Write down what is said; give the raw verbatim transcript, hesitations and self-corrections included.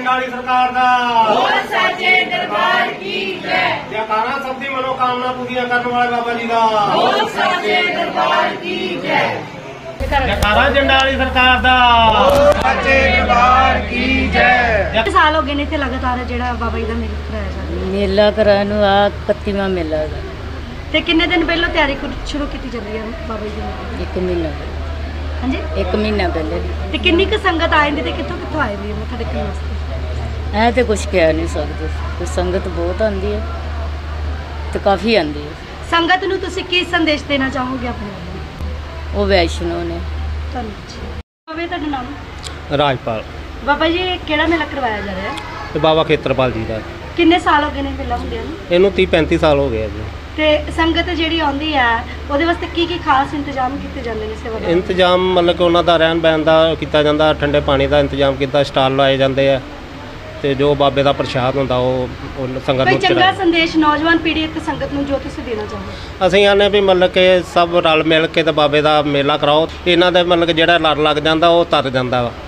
ਜੰਡਾਲੀ ਸਰਕਾਰ ਦਾ बोल साचे दरबार की जय। जयकारा सब दी मनोकामना पूरियां करने वाले बाबा जी का बोल साचे दरबार की जय। जयकारा जंडाली सरकार ਦਾ ਸਾਚੇ ਦਰਬਾਰ ਕੀ ਜੈ। कितने साल हो गए ने इत्थे लगातार जेड़ा बाबा जी दा मेला कराया जा रहा ਮੇਲਾ ਕਰਾਉਣ ਨੂੰ ਆ ਇਕੱਤੀਵਾਂ ਮੇਲਾ ਹੈਗਾ। ते किन्ने दिन पहले तैयारी शुरू की चल रही है बाबा जी दी? ਇੱਕ ਮਹੀਨਾ ਪਹਿਲੇ- हाँ जी। ਇੱਕ ਮਹੀਨਾ ਪਹਿਲੇ ते किन्नी क संगत आई दी ते कित्थों कित्थों आए दी मत्था टेकण वास्ते? ਐ ਤੇ ਕੁਝ ਕਹਿ ਨਹੀਂ ਸਕਦੇ ਤੇ ਸੰਗਤ ਬਹੁਤ ਆਉਂਦੀ ਹੈ ਤੇ ਕਾਫੀ ਆਉਂਦੀ ਹੈ। संगत नूं तुसीं की संदेश देना चाहोगे अपने ਵੱਲੋਂ? ਉਹ ਵੈਸ਼ਨੋ ਨੇ। ਧੰਨਵਾਦ जी। बाबा जी ਤੁਹਾਡਾ ਨਾਮ? ਰਾਜਪਾਲ बाबा जी ਕਿਹੜਾ ਮੇਲਾ ਕਰਵਾਇਆ ਜਾ ਰਿਹਾ ਹੈ? ਤੇ ਬਾਬਾ ਖੇਤਰਪਾਲ ਜੀ ਦਾ ਕਿੰਨੇ ਸਾਲ ਹੋ ਗਏ ਨੇ ਮੇਲਾ ਹੁੰਦਿਆਂ ਨੂੰ? ਇਹਨੂੰ ਤੀਹ ਪੈਂਤੀ ਸਾਲ ਹੋ ਗਏ ਆ ਜੀ। ਤੇ ਸੰਗਤ ਜਿਹੜੀ ਆਉਂਦੀ ਹੈ ਉਹਦੇ ਵਾਸਤੇ ਕੀ ਕੀ ਖਾਸ ਇੰਤਜ਼ਾਮ ਕੀਤੇ ਜਾਂਦੇ ਨੇ ਸੇਵਾਦਾਰਾਂ? ਇੰਤਜ਼ਾਮ ਮਤਲਬ ਕਿ ਉਹਨਾਂ ਦਾ ਰਹਿਣ ਬਹਿਣ ਦਾ ਕੀਤਾ ਜਾਂਦਾ, ਠੰਡੇ ਪਾਣੀ ਦਾ ਇੰਤਜ਼ਾਮ ਕੀਤਾ, ਸਟਾਲ ਲਾਏ ਜਾਂਦੇ ਆ ਤੇ ਜੋ ਬਾਬੇ ਦਾ ਪ੍ਰਸ਼ਾਦ ਹੁੰਦਾ ਉਹ ਉਹ ਸੰਗਤ ਕੋਈ ਨੂੰ ਚੰਗਾ ਚੜਾਇਆ। ਸੰਦੇਸ਼ ਨੌਜਵਾਨ ਪੀੜ੍ਹੀ ਤੇ ਸੰਗਤ ਨੂੰ ਜੋ ਤੁਸੀਂ ਦੇਣਾ ਚਾਹੋ? ਅਸੀਂ ਆਨੇ ਵੀ ਮਤਲਬ ਕਿ ਸਭ ਰਲ ਮਿਲ ਕੇ ਤੇ ਬਾਬੇ ਦਾ ਮੇਲਾ ਕਰਾਓ। ਇਹਨਾਂ ਦੇ ਮਤਲਬ ਕਿ ਜਿਹੜਾ ਲੜ ਲੱਗ ਜਾਂਦਾ ਉਹ ਤਰ ਜਾਂਦਾ ਵਾ।